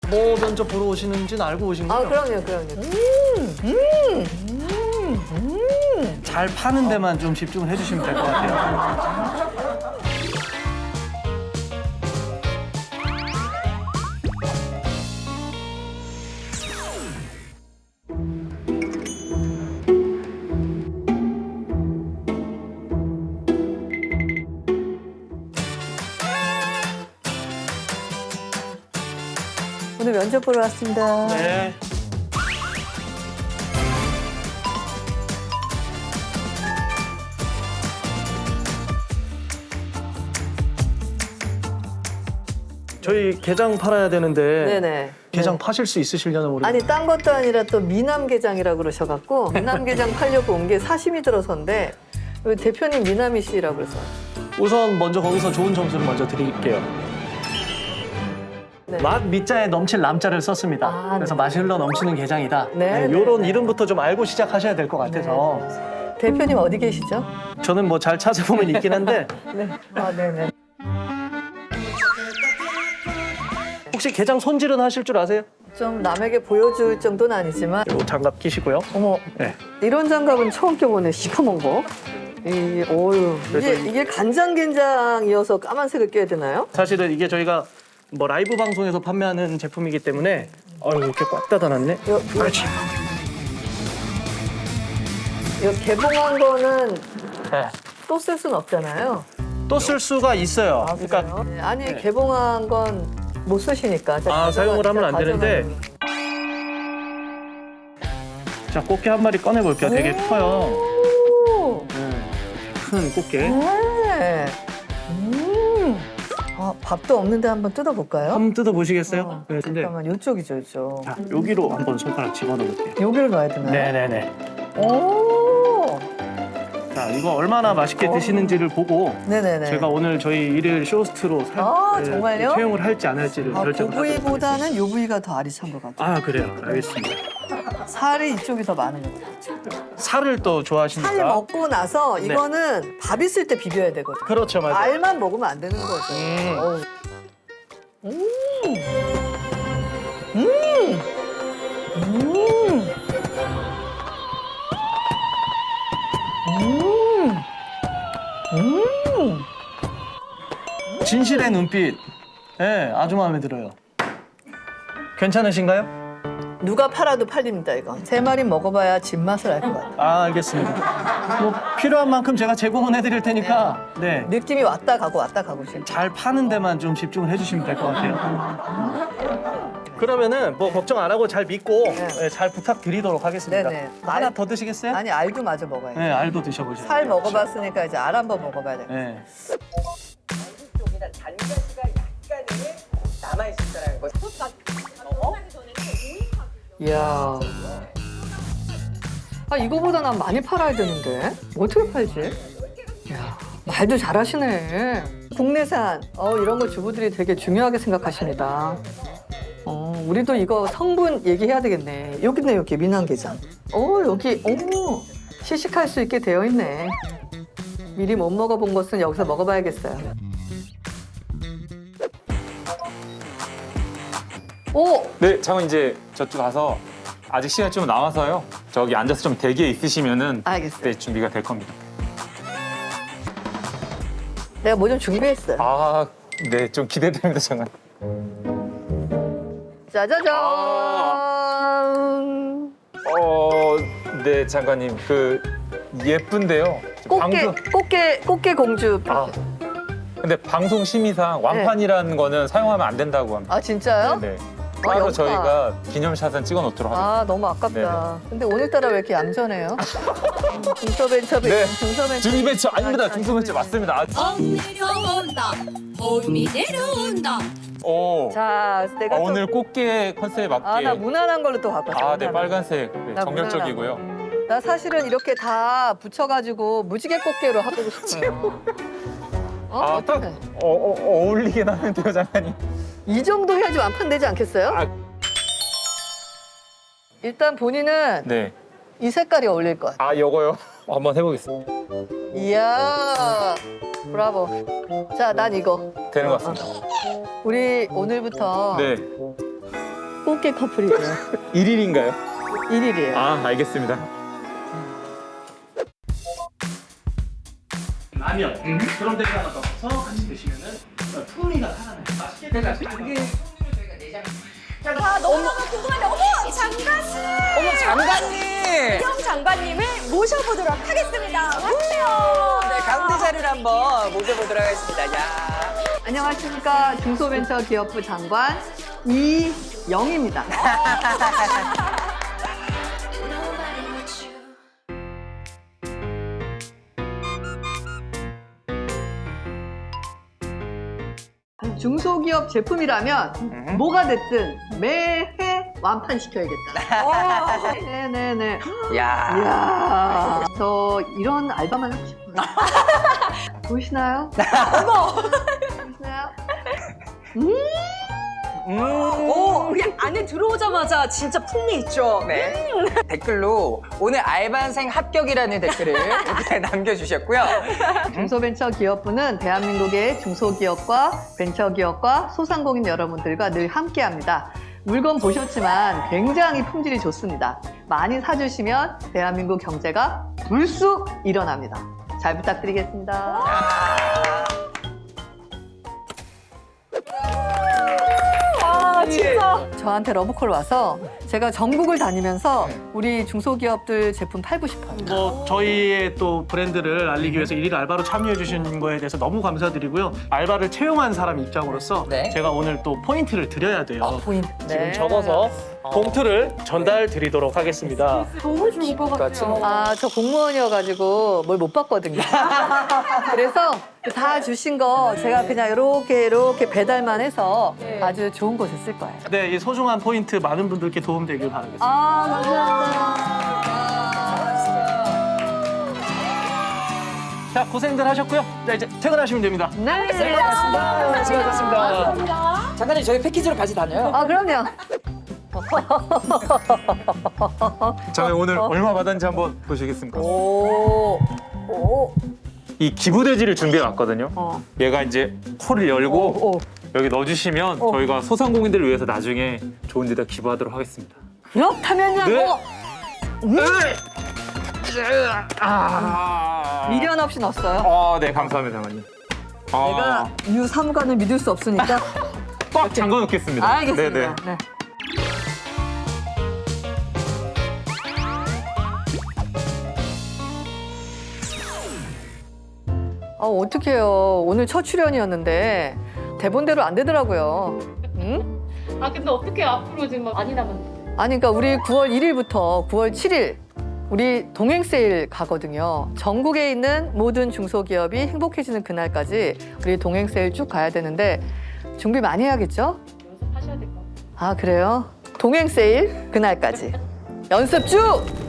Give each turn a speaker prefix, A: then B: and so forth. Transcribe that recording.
A: 뭐 면접 보러 오시는지는 알고 오신
B: 아,
A: 거죠?
B: 그럼요.
A: 잘 파는 데만 좀 집중을 해주시면 될 것 같아요.
B: 오늘 면접 보러 왔습니다.
A: 네. 저희 게장 팔아야 되는데
B: 네네.
A: 게장
B: 네.
A: 파실 수 있으시려나 모르겠어요.
B: 아니, 딴 것도 아니라 또 미남게장이라고 그러셔갖고 미남게장 팔려고 온 게 사심이 들어서인데 우리 대표님 미남이시라고 그래서.
A: 우선 먼저 거기서 좋은 점수를 먼저 드릴게요.
B: 네.
A: 맛 밑자에 넘칠 남자를 썼습니다.
B: 아,
A: 그래서
B: 네.
A: 맛이 흘러 넘치는 게장이다.
B: 네,
A: 이런
B: 네.
A: 이름부터 좀 알고 시작하셔야 될 것 같아서.
B: 대표님 어디 계시죠?
A: 저는 뭐 잘 찾아보면 있긴 한데
B: 네. 아, 네네.
A: 혹시 게장 손질은 하실 줄 아세요?
B: 좀 남에게 보여줄 정도는 아니지만
A: 요 장갑 끼시고요.
B: 어머,
A: 네.
B: 이런 장갑은 처음 껴보네. 시커먼 거. 어유
A: 그래서
B: 이게 간장게장이어서 까만색을 껴야 되나요?
A: 사실은 이게 저희가 뭐 라이브 방송에서 판매하는 제품이기 때문에 이렇게 꽉 닫아놨네. 그렇지.
B: 이거 개봉한 거는
A: 네.
B: 또 쓸 수는 없잖아요.
A: 또 쓸 수가 있어요.
B: 아,
A: 그러니까
B: 그래요? 네, 아니,
A: 네.
B: 개봉한 건 못 쓰시니까.
A: 사용을 하면 안 되는데. 자, 꽃게 한 마리 꺼내 볼게요. 되게 커요.
B: 오!
A: 큰 꽃게.
B: 네. 아, 밥도 없는데 한번 뜯어볼까요?
A: 한번 뜯어 보시겠어요? 네, 근데
B: 잠깐만, 이쪽이죠, 이쪽.
A: 자, 여기로 한번 손가락 집어넣어 볼게요.
B: 여기를 넣어야 되나요?
A: 네네네.
B: 오!
A: 자, 이거 얼마나 맛있게 드시는지를 보고
B: 네네네.
A: 제가 오늘 저희 일일 쇼호스트로
B: 정말요?
A: 채용을 할지 안 할지를
B: 그
A: 결정을 하도록
B: 부위보다는 요 부위가 더 알이 찬 것 같아요.
A: 아, 그래요. 알겠습니다.
B: 살이 이쪽이 더 많은 것 같아요.
A: 살을 또 좋아하시니까.
B: 살 먹고 나서
A: 네.
B: 이거는 밥 있을 때 비벼야 되거든요.
A: 그렇죠, 맞아요.
B: 알만 먹으면 안 되는 거죠. 어우.
A: 진실의 눈빛. 네, 아주 마음에 들어요. 괜찮으신가요?
B: 누가 팔아도 팔립니다, 이거. 세 마리 먹어봐야 진맛을 알 것 같아요.
A: 아, 알겠습니다. 뭐 필요한 만큼 제가 제공은 해드릴 테니까 네.
B: 느낌이 왔다 가고 지금.
A: 잘 파는 데만 좀 집중을 해주시면 될 것 같아요. 그러면은 뭐 걱정 안 하고 잘 믿고 네, 잘 부탁드리도록 하겠습니다.
B: 네네.
A: 하나 더 드시겠어요?
B: 아니, 알도 마저 먹어야죠.
A: 네, 알도 드셔보세요.
B: 살 먹어봤으니까 이제 알 한번 먹어봐야 돼.
A: 네.
C: 쪽이나 단가시가 약간은 남아있을 거라는 거.
B: 이야. 아, 이거보다 난 많이 팔아야 되는데. 어떻게 팔지? 이야, 말도 잘하시네. 국내산, 이런 거 주부들이 되게 중요하게 생각하십니다. 우리도 이거 성분 얘기해야 되겠네. 여기 있네, 여기 미남게장. 여기, 시식할 수 있게 되어 있네. 미리 못 먹어본 것은 여기서 먹어봐야겠어요. 오!
D: 네, 장은 이제 저쪽 가서 아직 시간이 좀 남아서요. 저기 앉아서 좀 대기에 있으시면은
B: 알겠어요.
D: 네, 준비가 될 겁니다.
B: 내가 뭐 좀 준비했어요.
D: 아, 네, 좀 기대됩니다, 장관.
B: 짜자잔!
D: 네, 장관님, 예쁜데요.
B: 꽃게 공주.
D: 근데 방송 심의상 왕판이라는 거는 사용하면 안 된다고 합니다.
B: 아, 진짜요?
D: 네. 따로
B: 영파.
D: 저희가 기념샷은 찍어 놓도록 하겠습니다.
B: 아, 너무 아깝다. 근데 오늘따라 왜 이렇게 얌전해요? 중소벤처,
D: 네.
B: 중소벤처.
D: 중이벤처 아닙니다. 중소벤처 맞습니다.
E: 봄 내려온다 봄이 내려온다
D: 오.
B: 자, 내가 좀...
D: 오늘 꽃게 컨셉에 맞게.
B: 나 무난한 걸로 또 갖고 왔어.
D: 네, 빨간색. 네,
B: 나
D: 정열적이고요.
B: 나 사실은 이렇게 다 붙여가지고 무지개 꽃게로 해보고 싶어요.
D: 딱
B: 어떡해.
D: 어울리긴 하는데요, 장관님.
B: 이 정도 해야지 완판되지 않겠어요?
D: 아.
B: 일단 본인은
D: 네.
B: 이 색깔이 어울릴 것 같아.
D: 요거요. 한번 해보겠습니다.
B: 이야, 브라보. 자, 난 이거.
D: 되는 것 같습니다.
B: 우리 오늘부터
D: 네.
B: 꽃게 커플이고요.
D: 1일인가요?
B: 1일이에요.
D: 아, 알겠습니다.
A: 라면 그런 데다가 넣어서 같이 드시면은 풍미가 살아나요. 맛있게 드세요.
F: 아, 너무너무 궁금한데, 어머, 장관님!
C: 어머 장관님.
F: 형 장관님을 모셔보도록 하겠습니다. 왔어요.
C: 네, 가운데 자리를 한번 모셔보도록 하겠습니다. 야.
B: 안녕하십니까. 중소벤처기업부 장관 이영입니다. 중소기업 제품이라면 뭐가 됐든 매해 완판시켜야겠다. 네네네.
C: 야.
B: 이야, 저 이런 알바만 하고 싶어요. 보이시나요? 보이시나요?
F: 오, 그냥 안에 들어오자마자 진짜 풍미 있죠?
C: 네. 댓글로 오늘 알바생 합격이라는 댓글을 이렇게 남겨주셨고요.
B: 중소벤처기업부는 대한민국의 중소기업과 벤처기업과 소상공인 여러분들과 늘 함께합니다. 물건 보셨지만 굉장히 품질이 좋습니다. 많이 사주시면 대한민국 경제가 불쑥 일어납니다. 잘 부탁드리겠습니다.
F: 아, 진짜.
B: 저한테 러브콜 와서 제가 전국을 다니면서 우리 중소기업들 제품 팔고 싶어요.
A: 뭐 저희의 또 브랜드를 알리기 위해서 일일 알바로 참여해 주신 거에 대해서 너무 감사드리고요. 알바를 채용한 사람 입장으로서
C: 네.
A: 제가 오늘 또 포인트를 드려야 돼요.
B: 포인트.
A: 지금 적어서 봉투를 전달 드리도록 하겠습니다.
B: 너무 좋을 것 같아요. 아, 저 공무원이어가지고 뭘 못 봤거든요. 그래서 다 주신 거 제가 그냥 이렇게 배달만 해서 아주 좋은 곳에 쓸 거예요.
A: 네, 이 소중한 포인트 많은 분들께 도움되길 바라겠습니다.
B: 아, 감사합니다.
A: 자, 고생들 하셨고요. 자, 이제 퇴근하시면 됩니다.
B: 네.
A: 수고하셨습니다.
C: 장관님 저희 패키지로 같이 다녀요.
B: 아, 그럼요.
D: 장관님 오늘 얼마 받았는지 한번 보시겠습니까?
B: 오.
D: 이 기부돼지를 준비해 왔거든요. 얘가 이제 코를 열고
B: 오.
D: 여기 넣어주시면 저희가 소상공인들을 위해서 나중에 좋은 데다 기부하도록 하겠습니다.
B: 그렇다면요.
D: 네.
B: 미련 없이 넣었어요.
D: 네, 감사합니다, 장관님.
B: 내가 유삼관을 믿을 수 없으니까.
D: 꽉 잠궈 놓겠습니다.
B: 알겠습니다.
D: 네네.
B: 네. 어떡해요. 오늘 첫 출연이었는데 대본대로 안 되더라고요. 응?
G: 아 근데 어떻게 앞으로 지금 많이 남았는데?
B: 아니, 그러니까 우리 9월 1일부터 9월 7일 우리 동행 세일 가거든요. 전국에 있는 모든 중소기업이 행복해지는 그날까지 우리 동행 세일 쭉 가야 되는데 준비 많이 해야겠죠?
G: 연습하셔야 될 것 같아요.
B: 아, 그래요? 동행 세일 그날까지 연습 쭉!